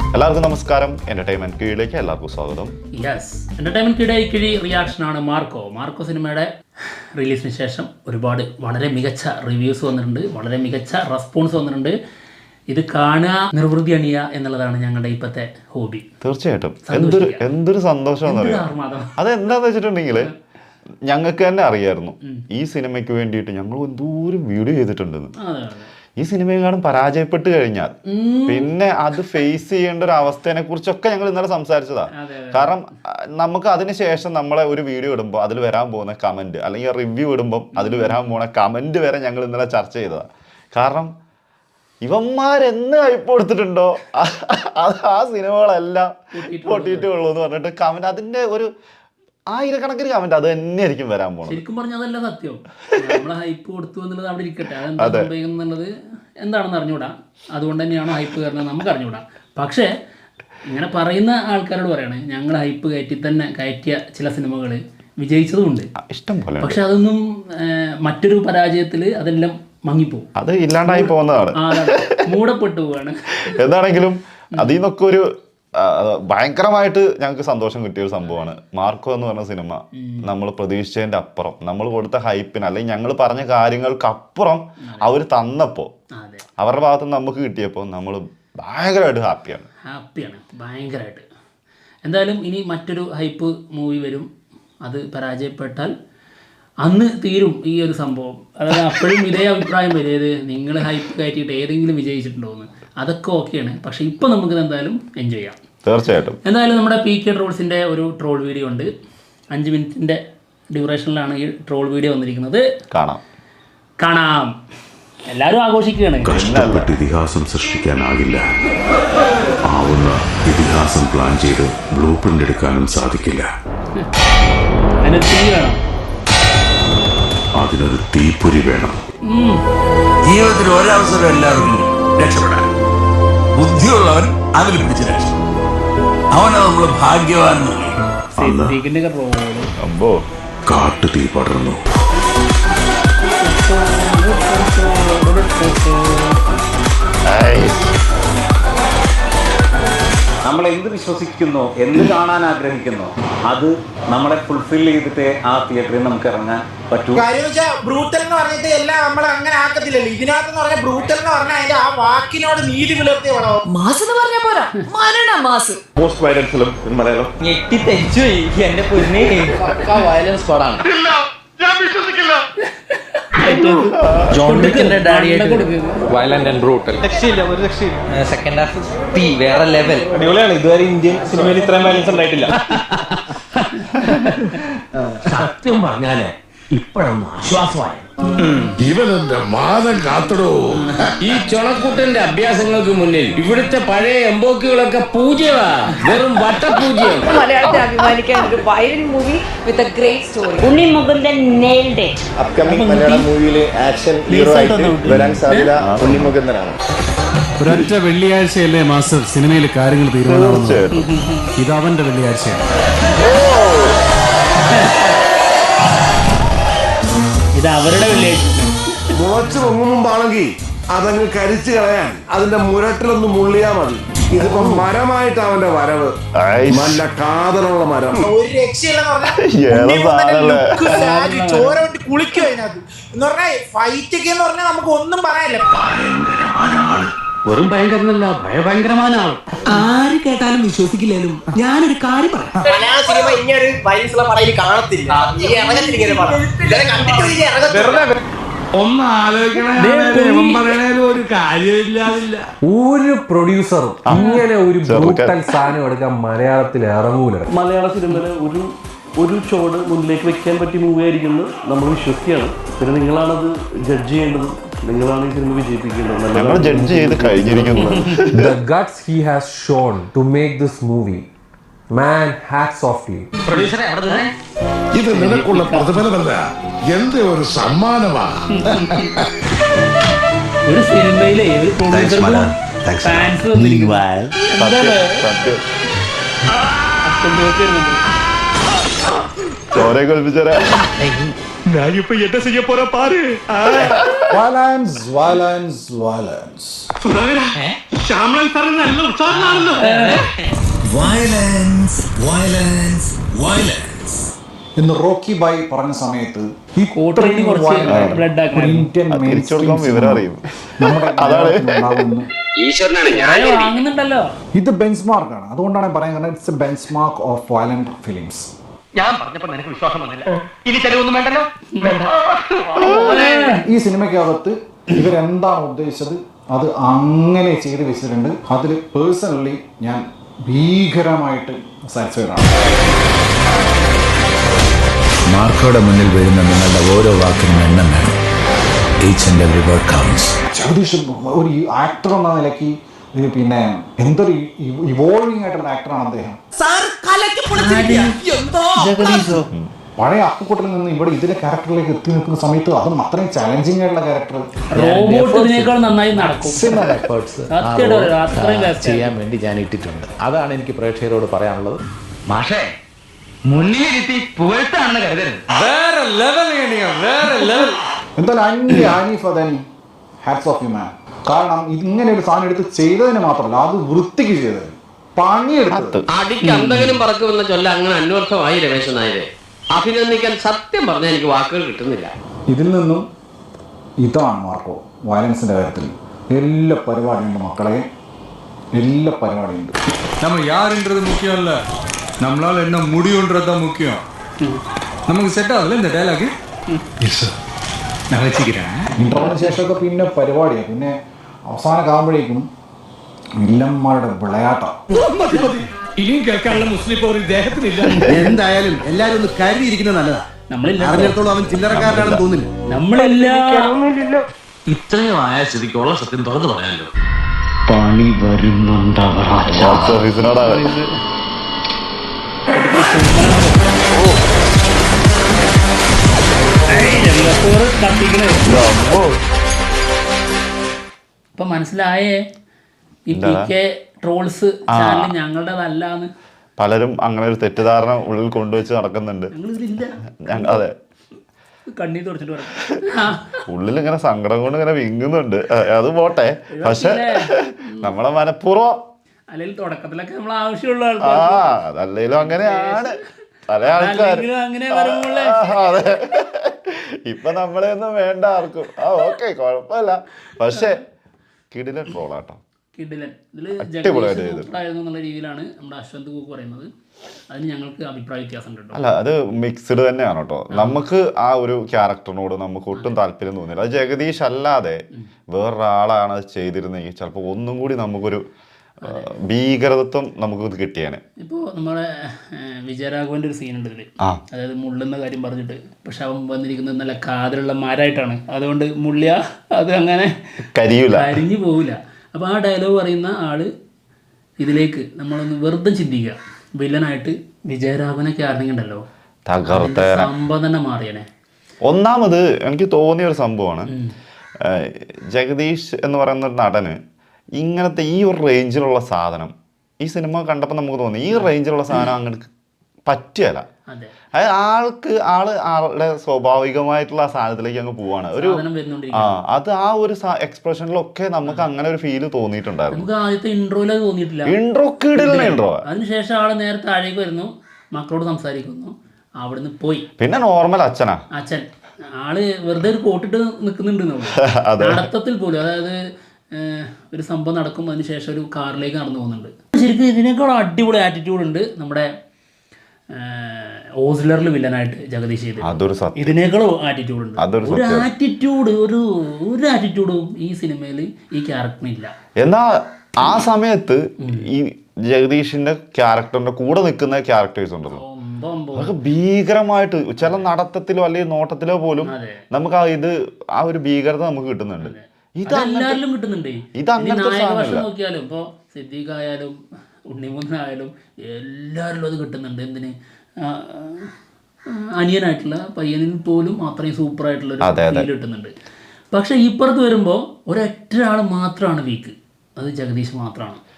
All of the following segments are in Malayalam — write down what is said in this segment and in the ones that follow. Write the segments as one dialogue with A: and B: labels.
A: എല്ലാവർക്കും നമസ്കാരം. എന്റർടൈൻമെന്റ് കീഴിലേക്ക് എല്ലാവർക്കും സ്വാഗതം.
B: യെസ്, എന്റർടൈൻമെന്റ് കിഴി റിയാക്ഷനാണ് മാർക്കോ സിനിമയുടെ റിലീസിന് ശേഷം വളരെ മികച്ച റിവ്യൂസ് വന്നിട്ടുണ്ട്, വളരെ മികച്ച റെസ്പോൺസ് വന്നിട്ടുണ്ട്. ഇത് കാണുക, നിർവൃതി അണിയുക എന്നുള്ളതാണ് ഞങ്ങളുടെ ഇപ്പോഴത്തെ ഹോബി.
A: തീർച്ചയായിട്ടും എന്തൊരു സന്തോഷമാണെന്ന് അറിയാം. അതെന്താന്ന് വെച്ചിട്ടുണ്ടെങ്കിൽ ഞങ്ങൾക്ക് തന്നെ അറിയായിരുന്നു ഈ സിനിമയ്ക്ക് വേണ്ടിയിട്ട് ഞങ്ങൾ എന്തോരം വീഡിയോ ചെയ്തിട്ടുണ്ടെന്ന്. ഈ സിനിമയെങ്ങാനും പരാജയപ്പെട്ട് കഴിഞ്ഞാൽ പിന്നെ അത് ഫേസ് ചെയ്യേണ്ട ഒരു അവസ്ഥയെ കുറിച്ചൊക്കെ ഞങ്ങൾ ഇന്നലെ സംസാരിച്ചതാ. കാരണം നമുക്ക് അതിനുശേഷം നമ്മളെ ഒരു വീഡിയോ ഇടുമ്പോൾ അതിൽ വരാൻ പോകുന്ന കമന്റ് അല്ലെങ്കിൽ റിവ്യൂ ഇടുമ്പോൾ അതിൽ വരാൻ പോകുന്ന കമന്റ് വരെ ഞങ്ങൾ ഇന്നലെ ചർച്ച ചെയ്തതാ. കാരണം ഇവന്മാരെന്ന് ഹൈപ്പ് കൊടുത്തിട്ടുണ്ടോ ആ സിനിമകളെല്ലാം പൊട്ടിയിട്ടുള്ളൂ എന്ന് പറഞ്ഞിട്ട് കമന്റ്, അതിന്റെ ഒരു ആയിരക്കണക്കിന് കമന്റ് അത് തന്നെ ആയിരിക്കും വരാൻ പോകുന്നത്.
B: ശരിക്കും പറഞ്ഞാൽ അതല്ല സത്യം. നമ്മളെ ഹൈപ്പ് കൊടുത്തു എന്നുള്ളത് അവിടെ ഇരിക്കട്ടെ, അതെന്താ സംഭവിക്കുന്നത് എന്താണെന്ന് അറിഞ്ഞൂടാ. അതുകൊണ്ട് തന്നെയാണോ ഹൈപ്പ് കയറുന്നത് നമുക്ക് അറിഞ്ഞൂടാ. പക്ഷേ ഇങ്ങനെ പറയുന്ന ആൾക്കാരോട് പറയണേ, ഞങ്ങൾ ഹൈപ്പ് കയറ്റിയ ചില സിനിമകൾ വിജയിച്ചതുമുണ്ട്, ഇഷ്ടം പോലെ. പക്ഷെ അതൊന്നും മറ്റൊരു പരാജയത്തിൽ അതെല്ലാം മങ്ങിപ്പോവും, അത്
A: ഇല്ലാണ്ടായി പോകുന്നതാണ്,
B: മൂടപ്പെട്ടു പോവാണ്.
A: എന്താണെങ്കിലും അതിൽ നിന്നൊക്കെ ഒരു ഭയങ്കരമായിട്ട് ഞങ്ങൾക്ക് സന്തോഷം കിട്ടിയ ഒരു സംഭവമാണ് മാർക്കോ എന്ന് പറഞ്ഞ സിനിമ. നമ്മൾ പ്രതീക്ഷിച്ചതിന്റെ അപ്പുറം, നമ്മൾ കൊടുത്ത ഹൈപ്പിന് അല്ലെങ്കിൽ ഞങ്ങൾ പറഞ്ഞ കാര്യങ്ങൾക്ക് അപ്പുറം അവർ തന്നപ്പോ, അവരുടെ ഭാഗത്ത് നിന്ന് നമുക്ക് കിട്ടിയപ്പോൾ നമ്മൾ ഭയങ്കരമായിട്ട് ഹാപ്പിയാണ്
B: ഭയങ്കരമായിട്ട്. എന്തായാലും ഇനി മറ്റൊരു ഹൈപ്പ് മൂവി വരും, അത് പരാജയപ്പെട്ടാൽ അന്ന് തീരും ഈ ഒരു സംഭവം. അതായത് അപ്പോഴും ഇതേ അഭിപ്രായം വരും, ഏത് നിങ്ങൾ ഹൈപ്പ് കയറ്റിയിട്ട് ഏതെങ്കിലും വിജയിച്ചിട്ടുണ്ടോ എന്ന്. അതൊക്കെ ഓക്കെയാണ്, പക്ഷെ ഇപ്പം നമുക്കിത് എന്തായാലും എൻജോയ് ചെയ്യാം
A: തീർച്ചയായിട്ടും.
B: എന്തായാലും നമ്മുടെ PK ട്രോൾസിൻ്റെ ഒരു ട്രോൾ വീഡിയോ ഉണ്ട്, 5 മിനിറ്റിൻ്റെ ഡ്യൂറേഷനിലാണ് ഈ ട്രോൾ വീഡിയോ വന്നിരിക്കുന്നത്. കാണാം. എല്ലാവരും ആഘോഷിക്കുകയാണ്.
C: കഷ്ടപ്പെട്ട് ഇതിഹാസം സൃഷ്ടിക്കാനാകില്ല, ആവുന്ന ഇതിഹാസം പ്ലാൻ ചെയ്ത് ബ്ലൂ പ്രിന്റ് എടുക്കാനും സാധിക്കില്ല.
B: അതിന് തീ വേണം,
C: അതിനൊരു തീപ്പൊരി വേണം.
D: ജീവിതത്തിൽ ഒരവസരം എല്ലാവർക്കും രക്ഷപ്പെടാൻ, ബുദ്ധിയുള്ളവൻ അതിൽ പിടിച്ച് രക്ഷപ്പെടും. അവനെ നമ്മൾ ഭാഗ്യവാൻ.
C: കാട്ടു തീ പടർന്നു.
E: നമ്മൾ എന്ത് വിശ്വസിക്കുന്നോ, എന്ത് കാണാൻ ആഗ്രഹിക്കുന്നോ, അത് നമ്മളെ ഫുൾഫിൽ ചെയ്തിട്ട് ആ തിയേറ്ററിൽ നമുക്ക് ഇറങ്ങാൻ പറ്റൂ.
F: ബ്രൂട്ടൽ എന്ന് പറഞ്ഞിട്ട് എല്ലാം നമ്മൾ അങ്ങനെ ആക്കത്തില്ലല്ലോ. ഇതിനകത്ത് പറഞ്ഞ ബ്രൂട്ടൽ എന്ന് പറഞ്ഞാൽ അതിന്റെ ആ വാക്കിനോട് നീതി പുലർത്തിയ പടം.
G: മാസ് എന്ന് പറഞ്ഞ പോരാ, മരണ mass.
H: Most violent film in Malayalam.
I: ഞെട്ടി തെച്ചു എന്റെ പൊന്നെ, വയലൻസ് പടാണ്.
H: ഞാൻ വിശ്വസിക്കില്ല.
I: ജോൺ വിക്കിന്റെ ഡാഡിയായിട്ട്
H: വയലന്റ് ആൻഡ് ബ്രൂട്ടൽ.
I: രക്ഷയില്ല, ഒരു രക്ഷയില്ല. സെക്കൻഡ് ഹാഫ് തീ വേറെ ലെവൽ,
H: അടിപൊളിയാണ്. ഇതുവരെ ഇന്ത്യൻ സിനിമയിൽ ഇത്രയും വയലൻസ് ഉണ്ടായിട്ടില്ല.
D: സത്യം പറഞ്ഞാലേ ഇപ്പോഴൊന്നും ആശ്വാസമായി.
C: ഇവനെന്റെ മാനം കാത്തടോ.
J: ഈ ചൊണക്കുട്ടന്റെ അഭ്യാസങ്ങൾക്ക് മുന്നിൽ ഇവിടുത്തെ പഴയ എംബോക്കുകളൊക്കെ പൂജ്യമാ, വെറും വട്ടപൂജ്യം.
G: മലയാളത്തെ അഭിമാനിക്കാൻ ഒരു violent movie with a great story. Unni Mukundan nailed it.
H: Upcoming Malayalam മൂവിയിലെ ആക്ഷൻ ഹീറോ ആയിട്ട് വരാൻ സാധ്യത ഉണ്ണി മുകുന്ദനാണ്.
K: ഒരൊറ്റ വെള്ളിയാഴ്ചയല്ലേ മാസ്റ്റർ സിനിമയിൽ കാര്യങ്ങൾ തീരുമാനമാവുന്നത്. ഇത് അവന്റെ വെള്ളിയാഴ്ചയാണ്.
B: ഇത് അവരുടെ വെള്ളിയാഴ്ച.
C: മുളച്ചു പൊങ്ങും മുമ്പാണെങ്കിൽ അതങ്ങ് കരിച്ചു കളയാൻ അതിന്റെ മുരട്ടിലൊന്ന് മുള്ളിയാ മതി. ഇതിപ്പോ മരമായിട്ട് അവന്റെ വരവ്, നല്ല കാതലുള്ള മരം.
F: ഒരു രക്ഷയില്ലെന്ന് ചോര വിട്ട് കുളിക്കും അതിനകത്ത് എന്ന് പറഞ്ഞാൽ. ഫൈറ്റ് ഒക്കെ എന്ന് പറഞ്ഞാൽ നമുക്ക് ഒന്നും പറയാനില്ല.
J: വെറും ഭയങ്കരനല്ല, ഭയങ്കരമായ ആൾ.
G: ആര് കേട്ടാലും വിശ്വസിക്കില്ലേലും ഞാനൊരു കാര്യം പറയാം.
F: മലയാള സിനിമ ഇങ്ങനെ വയലൻസ് ഉള്ള പടം കാണത്തില്ല.
J: ഒന്ന് ആലോചിക്കണേലും ഒരു കാര്യമില്ലാതില്ല.
D: ഒരു പ്രൊഡ്യൂസറും ഇങ്ങനെ ഒരു ബ്രൂട്ടൽ സാധനം എടുക്കാൻ മലയാളത്തിൽ ഇറങ്ങൂല.
I: മലയാള സിനിമയിലെ ഒരു ഷോട് മുന്നിലേക്ക് വെക്കാൻ പറ്റിയ മൂവി ആയിരിക്കുന്നു നമ്മൾ വിശ്വസിക്കുകയാണ്. പിന്നെ നിങ്ങളാണത് ജഡ്ജ് ചെയ്യേണ്ടത്, നിങ്ങളാണ് ഈ സിനിമ വിജയിപ്പിക്കേണ്ടത്.
A: ഞങ്ങൾ ജഡ്ജ് ചെയ്ത് കഴിഞ്ഞിരിക്കുന്നു.
D: The guts he has shown to make this movie, man, hats off to you.
C: ഇത് നിനക്കുള്ള പ്രതിഫലമല്ല, എന്റെ ഒരു സമ്മാനമാണ്.
B: ഒരു സിനിമയിലെ ഒരു പ്രൊഡ്യൂസർക്കും ഫാൻസ് വന്നിരിക്കുന്നു.
A: ചോരെ കൊൽപ്പിച്ചേരാ.
H: ഞാനിപ്പോ എന്താ ചെയ്യ പോരാ പാര്.
C: Violence, violence, violence.
J: Shyamalan sir നല്ല ഉത്സാഹമാണല്ലോ.
L: വയലൻസ് വയലൻസ് വയലൻസ് എന്ന് റോക്കി ബായ് പറഞ്ഞ സമയത്ത് ഇന്ത്യൻ ഇത് ബെഞ്ച് മാർക്കാണ്. അതുകൊണ്ടാണ് പറയുന്നത് it's a benchmark of violent films.
J: ഞാൻ പറഞ്ഞപ്പോൾ നിനക്ക് വിശ്വാസം വന്നില്ല. ഇനി തെളിവൊന്നും വേണ്ടല്ലോ.
L: ഈ സിനിമയ്ക്കകത്ത് ഇവരെന്താണ് ഉദ്ദേശിച്ചത് അത് അങ്ങനെ ചെയ്ത് വെച്ചിട്ടുണ്ട്. അതിൽ പേഴ്സണലി ഞാൻ ഭീകരമായിട്ട് സാറ്റിസ്ഫൈഡ് ആണ്.
M: മാർക്കോടെ മുന്നിൽ വീഴുന്ന നിങ്ങളുടെ ഓരോ വാക്കിനും എണ്ണം വേണം. Each and every word counts.
L: Jagadish ഒരു ആക്ടർ എന്ന നിലയ്ക്ക് പിന്നെ എന്തൊരു ഇവോൾവിംഗ് ആയിട്ടുള്ള ആക്ടറാണ് അദ്ദേഹം. പഴയ അപ്പുക്കുട്ടലിൽ നിന്ന് ഇവിടെ ഇതിലെ ക്യാരക്ടറിലേക്ക് എത്തി നിൽക്കുന്ന സമയത്ത് അതും അത്രയും ചാലഞ്ചിങ് ആയിട്ടുള്ള ക്യാരക്ടർ
M: ചെയ്യാൻ വേണ്ടി ഞാൻ ഇട്ടിട്ടുണ്ട്. അതാണ് എനിക്ക് പ്രേക്ഷകരോട് പറയാനുള്ളത്.
J: മാഷേ മുന്നിലിരുത്തി പുകഴ്ത്താണെന്ന് കരുതരുത്.
L: എന്തായാലും Haneef Adeni hats off you man. കാരണം ഇങ്ങനെ ഒരു സാധനം എടുത്ത് ചെയ്തതിന് മാത്രമല്ല അത് വൃത്തിക്ക് ചെയ്തത് പണിയെടുത്തത്.
J: അടിക്ക് എന്തെങ്കിലും പറക്കുമെന്ന ചൊല്ല അങ്ങനെ അന്വർത്ഥമായി രമേശൻ നായരെ. അഭിനന്ദിക്കാൻ സത്യം പറഞ്ഞാൽ എനിക്ക് വാക്കുകൾ കിട്ടുന്നില്ല.
L: ഇതിൽ നിന്നും ഇതാണ് മാർക്കോ വയലൻസിന്റെ കാര്യത്തിൽ എല്ലാ പരിപാടിയുണ്ട് മക്കളെ, എല്ലാ പരിപാടിയുണ്ട്.
K: நம்ம யாருன்றது முக்கியம் இல்ல, நம்மளால என்ன முடியும்ன்றதுதான் முக்கியம். நமக்கு செட் ஆகல இந்த டயலாக். ഞാൻ വെച്ചിരിக்கிறேன்.
L: ഇന്റർവ്യൂവിന് ശേഷമൊക്കെ പിന്നെ പരിപാടിയാണ്. പിന്നെ അവസാനമാകുമ്പോഴേക്കും വില്ലന്മാരുടെ വിളയാട്ടം.
J: ഇനിയും കേൾക്കാനുള്ള മുസ്ലിം ഒരു ദേഹത്തിനില്ല.
H: എന്തായാലും എല്ലാരും ഒന്ന് കരുതിയിരിക്കുന്നത് നല്ലതാ. അറിഞ്ഞിടത്തോളം അവൻ ചില്ലറക്കാരനാണെന്ന് തോന്നില്ല.
J: ഇത്രയും ആയ സ്ഥിതിക്കുള്ള സത്യം തുറന്നു പറയാമല്ലോ.
E: പണി വരുന്നുണ്ടവർ.
B: ഇപ്പൊ മനസ്സിലായേ ഈ PK ട്രോൾസ് ചാനൽ ഞങ്ങളുടേതല്ലാന്ന്.
A: പലരും അങ്ങനെ ഒരു തെറ്റിദ്ധാരണ ഉള്ളിൽ കൊണ്ടുവച്ച് നടക്കുന്നുണ്ട്. അതെ,
B: കണ്ണീർ തുടച്ചിട്ട് പറയാം.
A: ഉള്ളിൽ ഇങ്ങനെ സങ്കടം കൊണ്ട് ഇങ്ങനെ വിങ്ങുന്നുണ്ട്. അത് പോട്ടെ, പക്ഷെ നമ്മളെ മനഃപൂർവ്വം
B: അല്ലെങ്കിൽ തുടക്കത്തിലൊക്കെ നമ്മൾ ആവശ്യമുള്ള
A: അതല്ലേലും അങ്ങനെയാണ് പല ആൾക്കാരും. അതെ, ഇപ്പൊ നമ്മളെ ഒന്നും വേണ്ട ആർക്കും. ഓക്കെ, കുഴപ്പമില്ല. പക്ഷെ കിടിലൻ ട്രോളാട്ടോ.
B: കിടിലൻ. ഇതില് ജഗദീഷായിരുന്നു എന്നുള്ള രീതിയിലാണ് നമ്മുടെ അശ്വന്ത് കൂക്ക് പറയുന്നത്. അതിന് ഞങ്ങൾക്ക് അഭിപ്രായ വ്യത്യാസം ഉണ്ട്.
A: അല്ല, അത് മിക്സ്ഡ് തന്നെയാണ് കേട്ടോ. നമുക്ക് ആ ഒരു ക്യാരക്ടറിനോട് നമുക്ക് ഒട്ടും താല്പര്യം തോന്നില്ല. അത് ജഗദീഷ് അല്ലാതെ വേറൊരാളാണ് അത് ചെയ്തിരുന്നെങ്കിൽ ചിലപ്പോൾ ഒന്നും കൂടി നമുക്കൊരു ഭീകരതത്വം നമുക്ക് കിട്ടിയാണ്.
B: ഇപ്പോൾ നമ്മുടെ വിജയരാഘവന്റെ ഒരു സീൻ ഉണ്ട് ഇതില്, അതായത് മുള്ളുന്ന കാര്യം പറഞ്ഞിട്ട്. പക്ഷെ അവൻ വന്നിരിക്കുന്നത് നല്ല കാതിലുള്ള മരമായിട്ടാണ്. അതുകൊണ്ട് മുള്ളിയ അത് അങ്ങനെ കരിഞ്ഞു പോവില്ല. അപ്പോൾ ആ ഡയലോഗ് പറയുന്ന ആള് ഇതിലേക്ക് നമ്മളൊന്ന് വെറുതെ ചിന്തിക്കുക. വില്ലനായിട്ട് വിജയരാഘവനൊക്കെ ആയിരുന്നെങ്കിണ്ടല്ലോ സംഭവം തന്നെ മാറിയനെ.
A: ഒന്നാമത് എനിക്ക് തോന്നിയ ഒരു സംഭവമാണ്, ജഗദീഷ് എന്ന് പറയുന്ന നടന് ഇങ്ങനത്തെ ഈ ഒരു റേഞ്ചിലുള്ള സാധനം ഈ സിനിമ കണ്ടപ്പോൾ നമുക്ക് തോന്നി ഈ റേഞ്ചിലുള്ള സാധനം അങ്ങനെ പറ്റിയല്ല. അതായത് ആളുടെ സ്വാഭാവികമായിട്ടുള്ള ആ സാധനത്തിലേക്ക് അങ്ങ് പോവാണ്. ഒരു അത് ആ ഒരു എക്സ്പ്രഷനിലൊക്കെ നമുക്ക് അങ്ങനെ ഒരു ഫീല് തോന്നിയിട്ടുണ്ടായിരുന്നു.
B: നമുക്ക് ആദ്യത്തെ ഇൻട്രോയില് തോന്നിയിട്ടില്ല.
A: ഇൻട്രോ
B: അതിനുശേഷം ആള് നേരെ താഴേക്ക് വരുന്നു, മക്കളോട് സംസാരിക്കുന്നു, അവിടുന്ന് പോയി.
A: പിന്നെ നോർമൽ അച്ഛൻ
B: ആള് വെറുതെ ഒരു കോട്ടിട്ട് നിൽക്കുന്നുണ്ട് നടത്തത്തിൽ പോലും. അതായത് ഒരു സംഭവം നടക്കും, അതിന് ശേഷം ഒരു കാറിലേക്ക് നടന്നു പോകുന്നുണ്ട്. ശരിക്കും ഇതിനേക്കാൾ അടിപൊളി ആറ്റിറ്റ്യൂഡ് ഉണ്ട് നമ്മുടെ ഓസ്ലറിൽ വില്ലനായിട്ട് ജഗദീഷ് ചെയ്ത്. ഇതിനേക്കാളും ആറ്റിറ്റ്യൂഡ് ഉണ്ട്. ഒരു ആറ്റിറ്റ്യൂഡും ഈ സിനിമയിൽ ഈ ക്യാരക്ടറിന് ഇല്ല.
A: എന്നാ ആ സമയത്ത് ഈ ജഗദീഷിന്റെ ക്യാരക്ടറിന്റെ കൂടെ നിൽക്കുന്ന ക്യാരക്ടേഴ്സ് ഉണ്ടല്ലോ, അതൊക്കെ ഭീകരമായിട്ട് ചില നടത്തത്തിലോ അല്ലെങ്കിൽ നോട്ടത്തിലോ പോലും നമുക്ക് ആ ഒരു ഭീകരത നമുക്ക് കിട്ടുന്നുണ്ട്.
B: ഇതെല്ലാരിലും കിട്ടുന്നുണ്ട്. നായകവേഷം നോക്കിയാലും ഇപ്പോൾ സിദ്ദീഖ് ആയാലും ഉണ്ണിമുന്നായാലും എല്ലാവരിലും അത് കിട്ടുന്നുണ്ട്. എന്തിന് അനിയനായിട്ടുള്ള പയ്യനിൽ പോലും അത്രയും സൂപ്പറായിട്ടുള്ള ഒരു ഫീൽ കിട്ടുന്നുണ്ട്. പക്ഷെ ഇപ്പുറത്ത് വരുമ്പോൾ ഒരൊറ്റ ആൾ മാത്രമാണ് വീക്ക്, അത് ജഗദീഷ് മാത്രമാണ്.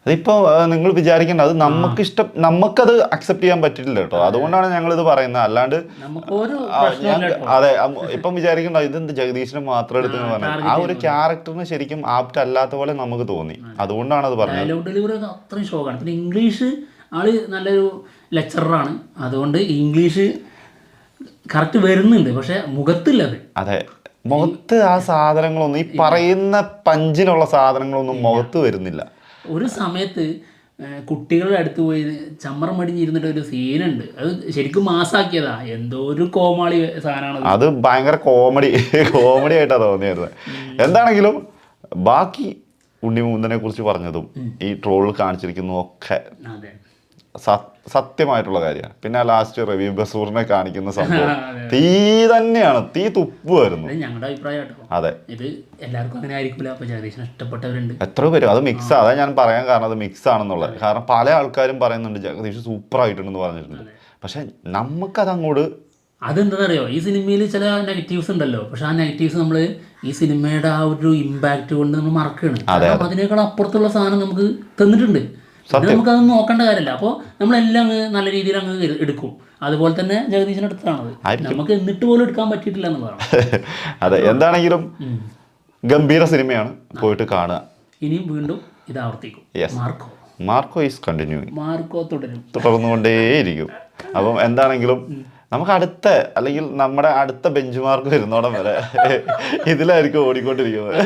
A: അതിപ്പോ നിങ്ങൾ വിചാരിക്കേണ്ട, അത് നമുക്കത് അക്സെപ്റ്റ് ചെയ്യാൻ പറ്റില്ല കേട്ടോ. അതുകൊണ്ടാണ് ഞങ്ങൾ ഇത് പറയുന്നത്. അല്ലാണ്ട് അതെ ഇപ്പം വിചാരിക്കണ്ട ഇതെന്ത് ജഗദീഷിനെ മാത്രം എടുത്ത് പറഞ്ഞത്. ആ ഒരു ക്യാരക്ടറിന് ശരിക്കും ആപ്റ്റ് അല്ലാത്ത പോലെ നമുക്ക് തോന്നി. അതുകൊണ്ടാണ് അത് പറഞ്ഞത്.
B: ഡയലോഗ് ഡെലിവറി അത്രയും ഷോക്കാണ്. പിന്നെ ഇംഗ്ലീഷ് ആള് നല്ലൊരു ലെക്ചറാണ്, അതുകൊണ്ട് ഇംഗ്ലീഷ് കറക്റ്റ് വരുന്നുണ്ട്. പക്ഷെ മുഖത്തില്ലത്.
A: അതെ, മുഖത്ത് ആ സാധനങ്ങളൊന്നും, ഈ പറയുന്ന പഞ്ചിനുള്ള സാധനങ്ങളൊന്നും മുഖത്ത് വരുന്നില്ല.
B: ഒരു സമയത്ത് കുട്ടികളുടെ അടുത്ത് പോയി ചമ്മറം മടിഞ്ഞിരുന്നിട്ട് ഒരു സീനുണ്ട്. അത് ശരിക്കും മാസാക്കിയതാ. എന്തോ ഒരു കോമാളി സാധനമാണ്
A: അത്. ഭയങ്കര കോമഡി ആയിട്ടാ തോന്നിയത്. എന്താണെങ്കിലും ബാക്കി ഉണ്ണിമുകുന്ദനെ കുറിച്ച് പറഞ്ഞതും ഈ ട്രോളിൽ കാണിച്ചിരിക്കുന്നതും ഒക്കെ സത്യമായിട്ടുള്ള കാര്യമാണ്. പിന്നെ ലാസ്റ്റ് റവി ബസൂറിനെ കാണിക്കുന്ന സംഭവം തീ തന്നെയാണ്, തീ തുപ്പുമായിരുന്നു.
B: ഞങ്ങളുടെ അഭിപ്രായം.
A: അതെ,
B: ഇത് എല്ലാവർക്കും അങ്ങനെ ആയിരിക്കില്ല. അപ്പൊ ജഗദീഷിനെ ഇഷ്ടപ്പെട്ടവരുണ്ട്
A: എത്രയോ പേര്. അത് മിക്സ്, അതാ ഞാൻ പറയാൻ കാരണം അത് മിക്സ് ആണെന്നുള്ളത്. കാരണം പല ആൾക്കാരും പറയുന്നുണ്ട് ജഗദീഷ് സൂപ്പർ ആയിട്ടുണ്ടെന്ന് പറഞ്ഞിട്ടുണ്ട്. പക്ഷെ നമുക്കത് അങ്ങോട്ട്
B: അതെന്താണെന്നറിയോ, ഈ സിനിമയിൽ ചില നെഗറ്റീവ്സ് ഉണ്ടല്ലോ. പക്ഷെ ആ നെഗറ്റീവ്സ് നമ്മൾ ഈ സിനിമയുടെ ആ ഒരു ഇമ്പാക്ട് കൊണ്ട് നമ്മൾ മറക്കുകയാണ്. കാരണം അതിനേക്കാൾ അപ്പുറത്തുള്ള സാധനം നമുക്ക് തന്നിട്ടുണ്ട്. നമുക്കതൊന്നും നോക്കേണ്ട കാര്യമില്ല. അപ്പോൾ നമ്മളെല്ലാം നല്ല രീതിയിൽ അങ്ങ് എടുക്കും. അതുപോലെ തന്നെ ജഗദീശിന്റെ അടുത്താണത്. നമുക്ക് എന്നിട്ട് പോലും എടുക്കാൻ പറ്റിയിട്ടില്ല എന്നുള്ളതാണ്.
A: അതെ, എന്താണെങ്കിലും ഗംഭീര സിനിമയാണ്, പോയിട്ട് കാണുക.
B: ഇനിയും വീണ്ടും ഇത് ആവർത്തിക്കും.
A: Marco is continuing.
B: മാർക്കോ
A: തുടർന്നുകൊണ്ടേയിരിക്കും. അപ്പം എന്താണെങ്കിലും നമുക്ക് അല്ലെങ്കിൽ നമ്മുടെ അടുത്ത ബെഞ്ച് മാർക്ക് വരുന്നോടം വരെ ഇതിലായിരിക്കും ഓടിക്കൊണ്ടിരിക്കുന്നത്.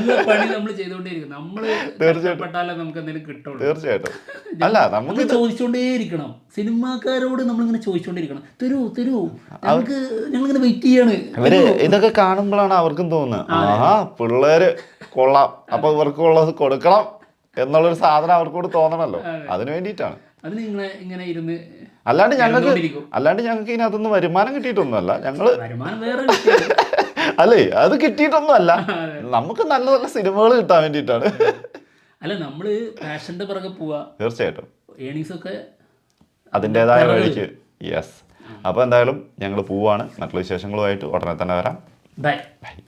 A: തീർച്ചയായിട്ടും. അല്ല, നമുക്ക്
B: ചോദിച്ചോണ്ടേയിരിക്കണം. സിനിമാക്കാരോട് നമ്മളിങ്ങനെ ചോദിച്ചോണ്ടിരിക്കണം, തരൂ നമുക്ക്, ഞങ്ങളിങ്ങനെ വെയിറ്റ് ചെയ്യാണ്.
A: ഇവര് ഇതൊക്കെ കാണുമ്പോഴാണ് അവർക്കും തോന്നുന്നത്, ആഹാ പിള്ളേര് കൊള്ളാം, അപ്പൊ ഇവർക്കുള്ളത് കൊടുക്കണം എന്നുള്ളൊരു സാധനം അവർക്കൂടെ തോന്നണല്ലോ. അതിനു വേണ്ടിയിട്ടാണ്. അല്ലാണ്ട് ഞങ്ങൾക്ക് ഇതിനകത്തൊന്നും വരുമാനം കിട്ടിയിട്ടൊന്നുമല്ല. ഞങ്ങള് അല്ലേ, അത് കിട്ടിയിട്ടൊന്നുമല്ല. നമുക്ക് നല്ല നല്ല സിനിമകൾ കിട്ടാൻ വേണ്ടിയിട്ടാണ്.
B: അല്ല, നമ്മള് പാഷന്റെ പിറകെ പോവാ.
A: തീർച്ചയായിട്ടും
B: ഏണിങ്സ് ഒക്കെ
A: അതിൻ്റെതായ വഴിക്ക്. യെസ്. അപ്പൊ എന്തായാലും ഞങ്ങൾ പോവാണ്. മറ്റുള്ള വിശേഷങ്ങളുമായിട്ട് ഉടനെ തന്നെ വരാം.
B: ബൈ.